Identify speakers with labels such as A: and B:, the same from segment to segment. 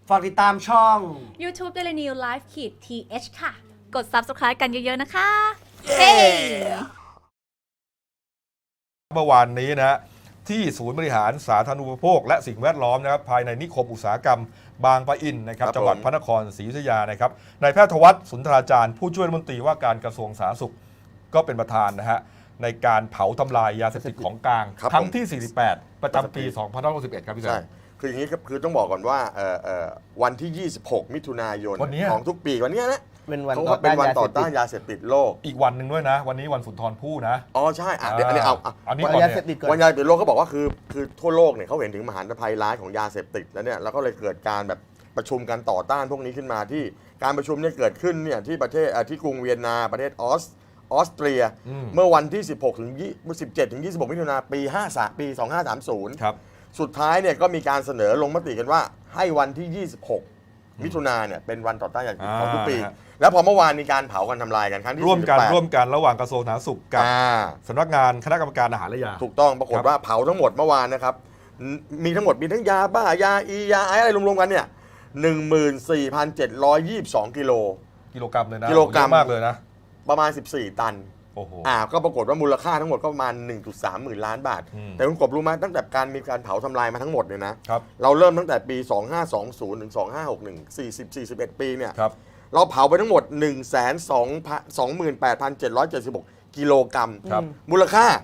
A: ฝากติดตามช่อง
B: YouTube Daily New Life ขีด th ค่ะ กด Subscribe กันเยอะๆนะคะ
A: เย้
C: เมื่อวานนี้นะที่ศูนย์บริหารสาธารณูปโภคและสิ่งแวดล้อมนะครับภายในนิคมอุตสาหกรรมบางปะอินนะครับ
D: ครับ
C: จังหวัด
D: ผม
C: พระนครศรีอยุธยานะครับนายแพทย์ธวัฒน์สุนทราจารย์ผู้ช่วยรัฐมนตรีว่าการกระทรวงสาธารณสุขก็เป็นประธานนะฮะในการเผาทำลายยาเสพติดของกลาง
D: ครับ
C: ครั้ง
D: ผม
C: ที่ 48 ประจำปี 2561 ครับพี่แซ
D: ใช่
C: ม
D: คืออย่างนี้ครับคือต้องบอกก่อนว่าวันที่ 26 มิถุนายน
C: วันเนี้ย
D: ของทุกปีวันเนี้ยนะ
A: เป็นวัน
D: เขา
A: ต่อ
D: ว่าเป็น
A: ต้าน
D: วัน
A: ยา
D: ต่
A: เส
D: อ
A: พติ
D: ต้า
A: ด
D: นยาเสพติดโลก
C: อีกวันหนึ่งด้วยนะ วันนี้วันสุนทรภู่นะ
D: อ๋อใช่เดี๋ยวอันนี้เอา
C: อันนี้
A: วัน
C: ก่อน
A: ยา
C: เนี่
A: เสพติด
C: ย
A: ก่อน
D: วันยาเสพติดโลกเขาบอกว่าคือทั่วโลกเนี่ยเขาเห็นถึงมหันตภัยร้ายของยาเสพติดแล้วเนี่ยแล้วก็เลยเกิดการแบบประชุมกันต่อต้านพวกนี้ขึ้นมาที่การประชุมเนี่ยเกิดขึ้นเนี่ยที่ประเทศที่กรุงเวียนนาประเทศออสเตรีย เมื่อวันที่ 16 ถึง 17 ถึง 26 มิถุนายนปี2530
C: ครับ
D: สุดท้ายเนี่ยก็มีการเสนอลงมติกันว่าให้วันที่ 26 มิถุนายนเนี่ยเป็นวันต่อต้านยาเสพติดของทุกปี
C: ฮะ
D: แล้วพอเมื่อวานมีการเผากันทำลายกันครั้งที่
C: ร่วมกัน
D: 48
C: ระหว่างกระทรวงสาธารณสุขกับ
D: อ่า
C: สำนักงานคณะกรรมการอาหารและยา
D: ถูกต้องปรากฏ
C: ครับ
D: ว่าเผาทั้งหมดเมื่อวานนะครับมีทั้งหมดมีทั้งยาบ้ายาอียาไออะไรรวมๆกันเนี่ย 14,722 กิโล
C: กิโลกรัมเลยนะ
D: กิโลกรัม
C: เยอะมากเลยนะ
D: ประมาณ 14 ตัน
C: โอ้โห
D: ก็ปรากฏว่ามูลค่าทั้งหมดก็ประมาณ 1.3 หมื่นล้านบาท
C: อืม
D: แต่คุณกบรู้ไหมตั้งแต่มีการเผาทำลายมาทั้งหมดเนี่ยนะ
C: ครับ
D: เราเริ่มตั้งแต่ปี 2520 ถึง 2561 41 ปีเนี่ย
C: ครับ
D: เราเผาไปทั้งหมด 128,776 กิโลกรัม
C: ครับ
D: มูลค่า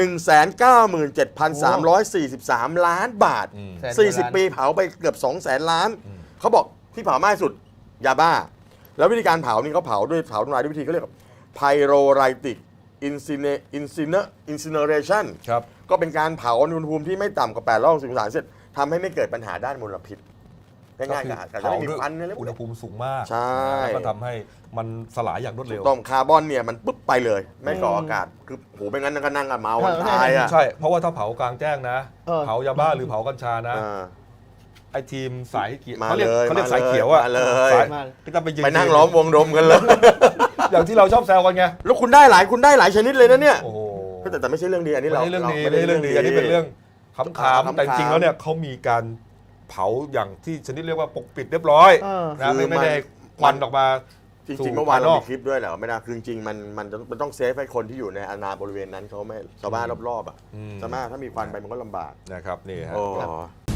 D: 197,343 ล้านบาท
C: อืม
D: 40 ปีเผาไปเกือบ 200,000 ล้าน เขาบอกที่เผามากที่สุดยาบ้า แล้ววิธีการเผานี่เขาเผาทำลายด้วยวิธีเขาเรียกว่า pyrolytic incineration
C: ครับ
D: ก็เป็นการเผาในอุณหภูมิที่ไม่ต่ำกว่า800องศาเซลเซียสทำให้ไม่เกิดปัญหาด้านมลพิษง่ายๆอาจจะไม่มีควันอะไรพว
C: อุ
D: ก
C: ณห
D: นี้
C: ภูมิสูงมาก
D: ใช่
C: แล้วก็ทำให้มันสลายอย่างรวดเร็ว
D: ต้มคาร์บอนเนี่ยมันปุ๊บไปเลย ไม่ก่ออากาศคือโหเป็นงั้นก็นั่งกันเมากันตายอ่ะ
C: ใช่ เพราะว่าถ้าเผากลางแจ้งนะ
A: เออ
C: เผายาบ้าหรือเผากัญชานะ
D: อ่า
C: ไอทีมสายเขียว
D: มา
C: เขาเรียก
D: เลย
C: เขาเรียก
D: มา
C: สายเขียวอะ
D: มาเลย
C: สาย
A: มา
C: ก็จะไปยืน
D: ไปนั่งล้อมวงดมกันเลย
C: อย่างที่เราชอบแซวกันไง
D: แล้วคุณได้หลายชนิดเลยนะเนี่ย
C: โอ้โห
D: แต่ไม่ใช่เรื่องดีอันนี้
C: ไม่
D: เรา
C: ใช่เรื่องนี้
D: ไม่
C: ไม่ใช่เรื่องดีอันนี้เป็นเรื่องข
D: ขำ
C: ำ
D: ๆ
C: ๆแต่จริงๆแล้วเนี่ยเขามีการเผาอย่างที่ชนิดเรียกว่าปกปิดเรียบร้อย
A: เออ
C: นะ
D: คือ
C: ไม่ได้ควันออกมา
D: จ
C: สู่
D: ริงๆเมื่อวาน
C: ภายน
D: เรา
C: อก
D: มีคลิปด้วยแหละไม่ได้คือจริงๆมันต้องเซฟให้คนที่อยู่ในอาณาบริเวณนั้นเขาไม่ชาวบ้านรอบๆอ่ะ
C: อืม
D: ใช่ไหมถ้ามีควันไปมันก็ลำบาก
C: นะครับนี่ฮะ
D: โอ้